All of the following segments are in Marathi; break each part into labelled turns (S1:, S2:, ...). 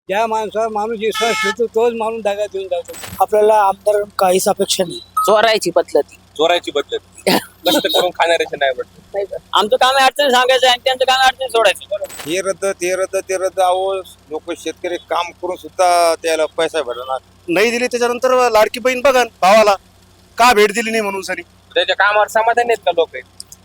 S1: ज्या माणसावर माणूस विश्वास ठेवतो तोच माणूस दगा देऊन जातो. आपल्याला आमदार काहीच अपेक्षा नाही.
S2: चोरायची पद्धती
S3: चोरायची बदलत कष्ट करून खाणाऱ्याचे नाही वाटत.
S2: आमचं काम आहे अडचण सांगायचं आणि त्यांचं काम आहे अडचण सोडायचं.
S4: हे रद्द ते रद्द अहो लोक शेतकरी काम करून सुद्धा त्याला पैसा भेटणार
S5: नाही दिली. त्याच्यानंतर लाडकी बहीण बघा भावाला का भेट दिली नाही म्हणून सरी
S3: त्याच्या कामावर समाधान आहेत का लोक?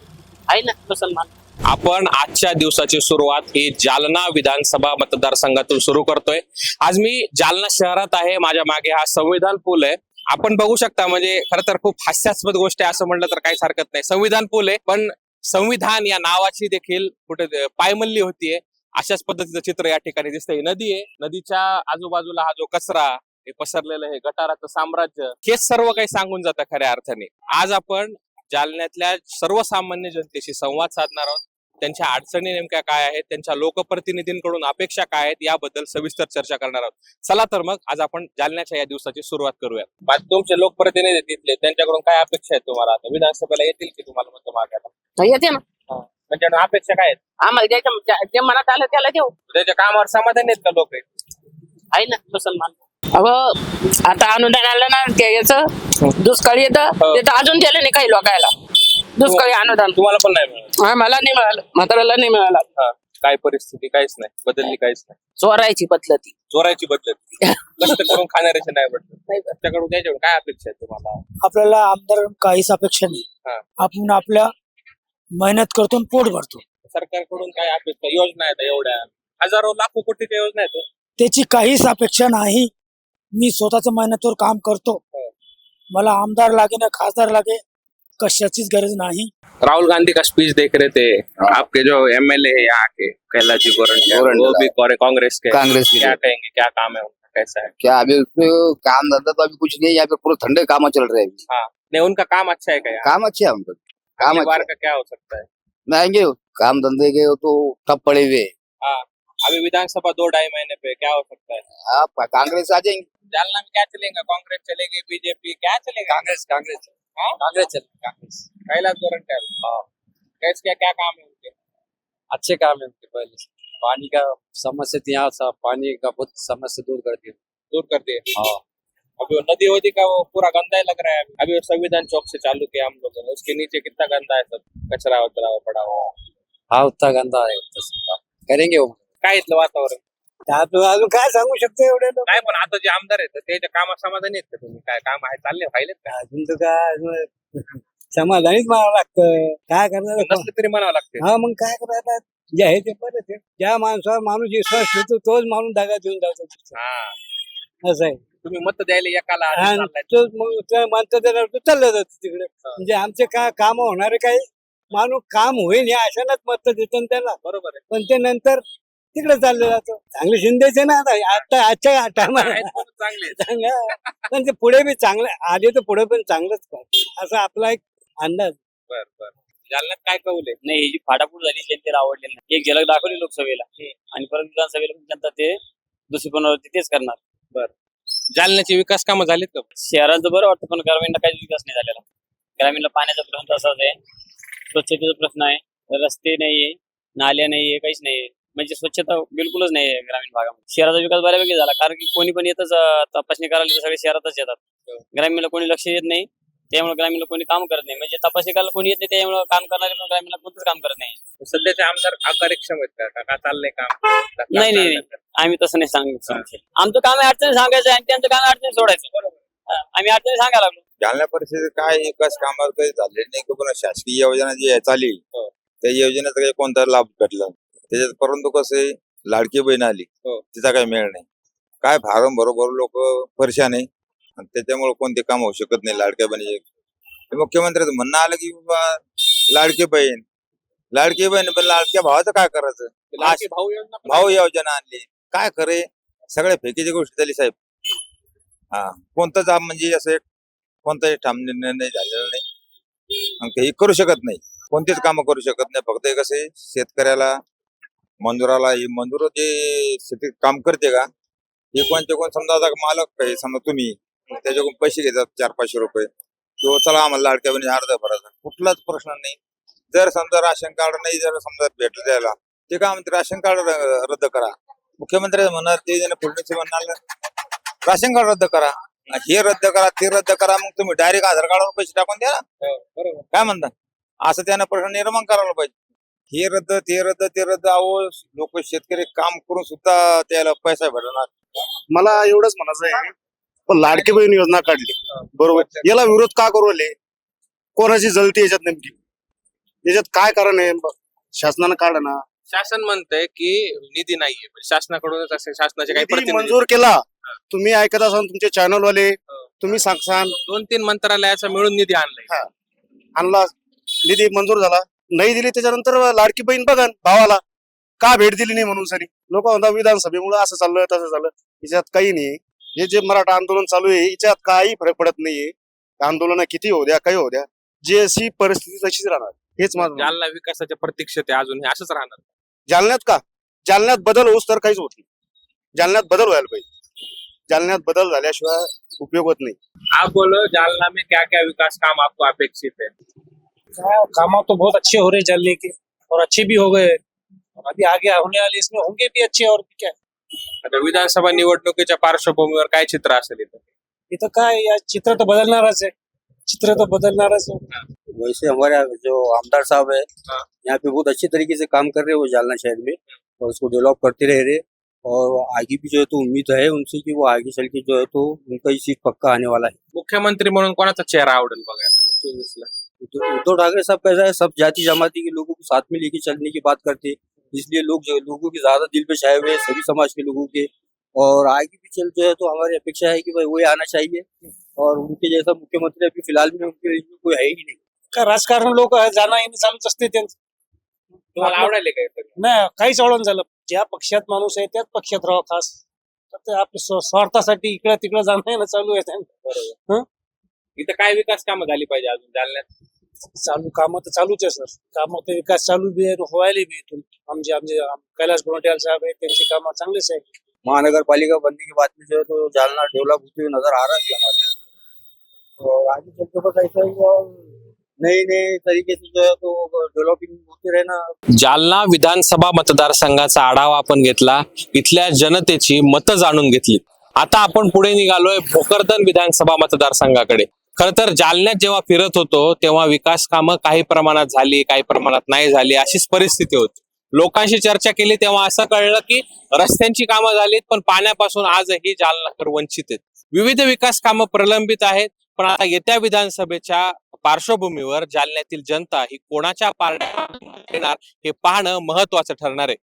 S2: आहे ना मुसलमान.
S3: आपण आजच्या दिवसाची सुरुवात ही जालना विधानसभा मतदारसंघातून सुरू करतोय. आज मी जालना शहरात आहे. माझ्या मागे हा संविधान पूल आहे. आपण बघू शकता, म्हणजे खरं तर खूप हास्यास्पद गोष्ट आहे असं म्हटलं तर काहीच हरकत नाही. संविधान पूल आहे, पण संविधान या नावाची देखील कुठे पायमल्ली होतीये. अशाच पद्धतीचं चित्र या ठिकाणी दिसतंय. ही नदी आहे, नदीच्या आजूबाजूला हा जो कचरा हे पसरलेलं आहे, गटाराचं साम्राज्य, हेच सर्व काही सांगून जातं खऱ्या अर्थाने. आज आपण जालन्यातल्या सर्वसामान्य जनतेशी संवाद साधणार आहोत. त्यांच्या अडचणी नेमक्या काय आहेत, त्यांच्या लोकप्रतिनिधींकडून अपेक्षा काय आहेत, याबद्दल सविस्तर चर्चा करणार आहोत. चला तर मग आज आपण जालन्याच्या या दिवसाची सुरुवात करूया. तुमचे लोकप्रतिनिधी तिथले, त्यांच्याकडून काय अपेक्षा आहेत तुम्हाला? आता विधानसभेला येतील की तुम्हाला मत मागायला?
S2: येते ना.
S3: म्हणजे अपेक्षा काय आहेत?
S2: आम्हाला ज्याच्या जे मनात आलं त्याला देऊ.
S3: त्याच्या कामावर समाधान आहेत का लोक?
S2: आहे ना मुसलमान. अहो आता अनुदान आलं ना ते याचं दुष्काळी येतं ते तर अजून दिलं नाही काही लोकायला. दुष्काळी अनुदान
S3: तुम्हाला पण नाही मिळालं?
S2: मला नाही मिळालं, म्हाताऱ्याला नाही मिळालं.
S3: काय परिस्थिती? काहीच नाही बदलली, काहीच नाही.
S2: चोरायची पद्धती.
S3: चोरायची बदलत कष्ट करून खाणाऱ्याचे नाही वाटत. त्याच्याकडून त्याच्याकडून काय अपेक्षा आहे तुम्हाला?
S1: आपल्याला आमदार काहीच अपेक्षा नाही. आपण आपल्या मेहनत करतो आणि पोट भरतो.
S3: सरकारकडून काय अपेक्षा? योजना आहेत एवढ्या हजारो लाखो कोटीच्या योजना आहेत.
S1: त्याची काहीच अपेक्षा नाही. मी स्वतःच मेहनतीवर काम करतो. मला आमदार लागे ना खासदार लागे, कशाचीच गरज नहीं।
S3: राहुल गांधी का स्पीच देख रहे थे, आपके जो एमएलए है यहाँ के कैलाश जी गोरंट्याल, वो भी कांग्रेस के, क्या कहेंगे, क्या काम है उनका, कैसा है?
S6: क्या अभी उसमें काम धंधा तो अभी कुछ नहीं है, यहाँ पे पूरे ठंडे काम चल रहे हैं।
S3: हाँ, नहीं उनका काम अच्छा है क्या?
S6: काम अच्छे है उनका, काम
S3: अगली बार
S6: अच्छा
S3: का क्या हो सकता है?
S6: आएंगे काम धंधे के तो ठप पड़े हुए।
S3: हाँ, अभी विधानसभा 2-2.5 महीने पे क्या हो सकता है?
S6: आप कांग्रेस आ जाएंगे।
S3: जालना में क्या चलेगा? कांग्रेस चलेगी, बीजेपी क्या चलेगा?
S6: कांग्रेस कांग्रेस
S3: हाँ?
S6: कांग्रेस चल
S3: कांग्रेस। कैलाश गोरंट्याल, कैसे क्या काम है उनके?
S7: अच्छे काम है उनके। पहले से पानी का समस्या थी, यहाँ सब पानी का बहुत समस्या दूर कर दिया।
S3: दूर कर दिए।
S7: हाँ,
S3: अभी वो नदी वदी का वो पूरा गंदा ही लग रहा है। अभी वो संविधान चौक से चालू किया हम लोगों ने, उसके नीचे कितना गंदा है, सब कचरा वचरा पड़ा हुआ।
S7: हाँ उतना गंदा है, उतना सब करेंगे वो।
S3: काय इथलं वातावरण?
S1: अजून काय सांगू शकतो एवढे लोक?
S3: काय पण आता जे आमदार आहेत त्याच्या कामात समाधानी आहेत का तुम्ही? काय काम आहे, चालले व्हायलेत का?
S1: अजून तर काय समाधानीच म्हणावं लागतं. काय करणार?
S3: नसलं तरी म्हणावं लागते.
S1: हा मग काय करायचं? जे आहे ते बरं आहे. ज्या माणसावर माणूस विश्वास ठेवतो तोच माणूस दगा देऊन जातो.
S3: हा,
S1: असं आहे.
S3: तुम्ही मत द्यायला एकाला आधी
S1: आणि
S3: चाललाय.
S1: तो मग त्या माणसाचं चाललं जातं तिकडे. म्हणजे आमचे काय काम होणारे काही माणूस काम होईल या आशानाच मत देतो त्याला.
S3: बरोबर आहे.
S1: पण ते नंतर तिकडे चाललं जातं. चांगले शिंदेचे ना आता आजच्या टायमाला
S3: आहेत पण चांगले.
S1: पण ते पुढे बी चांगलं आले तर पुढे पण चांगलंच पाहिजे असा आपला एक अंदाज.
S3: बर बर. जालन्यात काय कौले?
S2: नाही, ही जी फाटाफूट झाली जनतेला आवडलेली नाही. एक झलक दाखवली लोकसभेला आणि परत विधानसभेला पण जनता ते दुसरी पुनरावृत्ती तेच करणार.
S3: जालन्याचे विकास कामं झालीत का?
S2: शहराचं बरं वाटतं पण ग्रामीणला काहीच विकास नाही झालेला. ग्रामीणला पाण्याचा प्रश्न तसाच आहे, स्वच्छतेचा प्रश्न आहे, रस्ते नाहीये, नाल्या नाहीये, काहीच नाहीये. म्हणजे स्वच्छता बिलकुलच नाही ग्रामीण भागामध्ये. शहराचा विकास बऱ्यापैकी झाला, कारण की कोणी पण येतच तपासणी करायला तर सगळे शहरातच येतात. ग्रामीणला कोणी लक्ष देत नाही, त्यामुळे ग्रामीणला कोणी काम करत नाही. म्हणजे तपासणी करायला कोणी येत नाही, त्यामुळे काम करणारे पण ग्रामीणला कोणतंच काम करत नाही.
S3: सध्याचे आमदार अकार्यक्षम आहेत का? का चाललंय काम?
S2: नाही नाही, आम्ही तसं नाही सांगतो. आमचं काम आहे अडचणी सांगायचं आणि त्यांचं काम आहे अडचणी सोडायचं. आम्ही अडचणी सांगायला लागलो.
S4: जालना परिस्थिती काय विकास कामावर काही झाले नाही. पण शासकीय योजना जी चालली त्या योजनेचा काही कोणता लाभ भेटला त्याच्यात. परंतु कसं आहे, लाडकी बहीण आली तिचा काही मेळ नाही. काय फारम बरोबर लोक परेशान आहे आणि त्याच्यामुळे कोणते काम होऊ शकत नाही लाडक्या बहिणीचे. मुख्यमंत्र्याचं म्हणणं आलं की बाबा लाडकी बहीण पण लाडक्या भावाचं काय करायचं? भाऊ योजना आणली, काय खरे सगळ्या फेकीची गोष्ट झाली साहेब. हा, कोणताच म्हणजे असं कोणताही ठाम निर्णय नाही झालेला नाही आणि काही करू शकत नाही. कोणतेच कामं करू शकत नाही. फक्त कसं आहे, शेतकऱ्याला मजुराला हे मजूर जे शेतीत काम करते का हे कोणते कोण समजा आता मालक आहे, समजा तुम्ही त्याच्याकडून पैसे घेतात 400-500 रुपये किंवा चला आम्हाला लाडक्या बहिणी अर्ध भरायचा, कुठलाच प्रश्न नाही. जर समजा राशन कार्ड नाही जर समजा भेटलं द्यायला ते काय म्हणते राशन कार्ड रद्द करा, मुख्यमंत्री म्हणणार ते फडणवीस म्हणणार राशन कार्ड रद्द करा, हे रद्द करा, ते रद्द करा, मग तुम्ही डायरेक्ट आधार कार्डावर पैसे टाकून द्या ना.
S3: बरोबर.
S4: काय म्हणता? असं त्यानं प्रश्न निर्माण करायला पाहिजे. हे रद्द, ते रद्द, ते रद्द. अहो, लोक शेतकरी काम करून सुद्धा त्याला पैसा भेटणार.
S5: मला एवढंच म्हणायचं आहे, पण लाडकी बहीण योजना काढली बरोबर, याला विरोध का करू राहिले? कोणाची जलती याच्यात नेमकी? याच्यात काय कारण आहे? शासनानं काढा ना.
S3: शासन म्हणतंय की निधी नाहीये, म्हणजे शासनाकडूनच असे शासनाचे काही
S5: निधी
S3: प्रतिनिधी
S5: मंजूर केला. तुम्ही ऐकत असाल, तुमचे चॅनल वाले तुम्ही सांगसान
S3: 2-3 मंत्रालयाचा मिळून निधी आणलाय.
S5: आणला, निधी मंजूर झाला, नाही दिली त्याच्यानंतर लाडकी बहीण बघा भावाला का भेट दिली नाही म्हणून सरी लोक म्हणतात विधानसभेमुळे असं चाललं तसं झालं. याच्यात काही नाही. हे जे मराठा आंदोलन चालू आहे याच्यात काही फरक पडत नाहीये. आंदोलन किती होऊ द्या, काही होऊ द्या, जी अशी परिस्थिती तशीच राहणार. हेच माझं म्हणणं.
S3: जालना विकासाच्या प्रतीक्षेत आहे, अजून हे असंच राहणार.
S5: जालन्यात का? जालन्यात बदल होऊस तर काहीच होत नाही. जालन्यात बदल व्हायला पाहिजे. जालन्यात बदल झाल्याशिवाय उपयोग होत नहीं।
S3: आप बोलो जालना में क्या क्या विकास काम आपको अपेक्षित है?
S8: काम तो बहुत अच्छे हो रहे जालने के और अच्छे भी हो गए और अभी आगे होने वाले इसमें होंगे भी अच्छे और क्या।
S3: आता विधानसभा निवडणुकीच्या पार्श्वभूमीवर काय चित्र असेल इथं?
S8: इथं काय या चित्र तो बदलणारच है, चित्र तो बदलणारच है।
S7: वैसे हमारे जो आमदार साहब है
S3: हाँ।
S7: यहाँ पे बहुत अच्छे तरीके से काम कर रहे हैं वो जालना शहर में और उसको डेवलप करते रह रहे और आगे भी जो है तो उम्मीद है उनसे कि वो आगे चल के जो है तो उनका ही सीट पक्का आने वाला है।
S3: मुख्यमंत्री म्हणून कोणाचा चेहरा आवडेल बघायला 24 ला?
S7: उद्धव ठाकरे साहब कैसा है, सब जाति जमाती के लोगों को साथ में लेके चलने की बात करते हैं, इसलिए लोगों के ज्यादा दिल पे छाए हुए हैं सभी समाज के लोगों के। और आगे भी चल जो है तो हमारी अपेक्षा है कि भाई वही आना चाहिए और उनके जैसा मुख्यमंत्री अभी फिलहाल में उनके लिए कोई है ही नहीं।
S8: का राजकारण लोक जाणं येणं चालूच असते त्यांचं।
S3: तुम्हाला आवडेल काय?
S8: नाही काहीच आवडून झालं, ज्या पक्षात माणूस आहे त्याच पक्षात राहा खास, तर ते आपल्या स्वार्थासाठी इकडे तिकडे जाणं येणं चालू आहे त्यांचं।
S3: इथं काय विकास कामं झाली पाहिजे अजून जालन्यात?
S8: चालू कामं तर चालूच आहे सर, कामं तर विकास चालू बी आहे व्हायला बी इथून। आमचे आमचे कैलाश गोंटियाल साहब आहे, त्यांची कामं चांगलीच आहे।
S7: महानगर पालिका बनने के बाद में जो है तो जालना डेवलप होते हुए नजर आ रहा है हमारे और आगे चल के बस ऐसा ही और नए नए तरीके से जो है तो डेवलपिंग होते रहना।
S3: जालना विधानसभा मतदारसंघाचा आढावा आपण घेतला, इथल्या जनतेची मतं जाणून घेतली। आता आपण पुढे निघालोय भोकरदन विधानसभा मतदारसंघाकडे। खर तर जालन्यात जेव्हा फिरत होतो तेव्हा विकास कामं काही प्रमाणात झाली, काही प्रमाणात नाही झाली, अशीच परिस्थिती होती। लोकांशी चर्चा केली तेव्हा असं कळलं की रस्त्यांची कामं झालीत पण पाण्यापासून आजही जालनाकर वंचित आहेत। विविध विकास कामं प्रलंबित आहेत, पण आता येत्या विधानसभेच्या पार्श्वभूमीवर जालन्यातील जनता ही कोणाच्या पारड्यात येणार हे पाहणं महत्वाचं ठरणार आहे।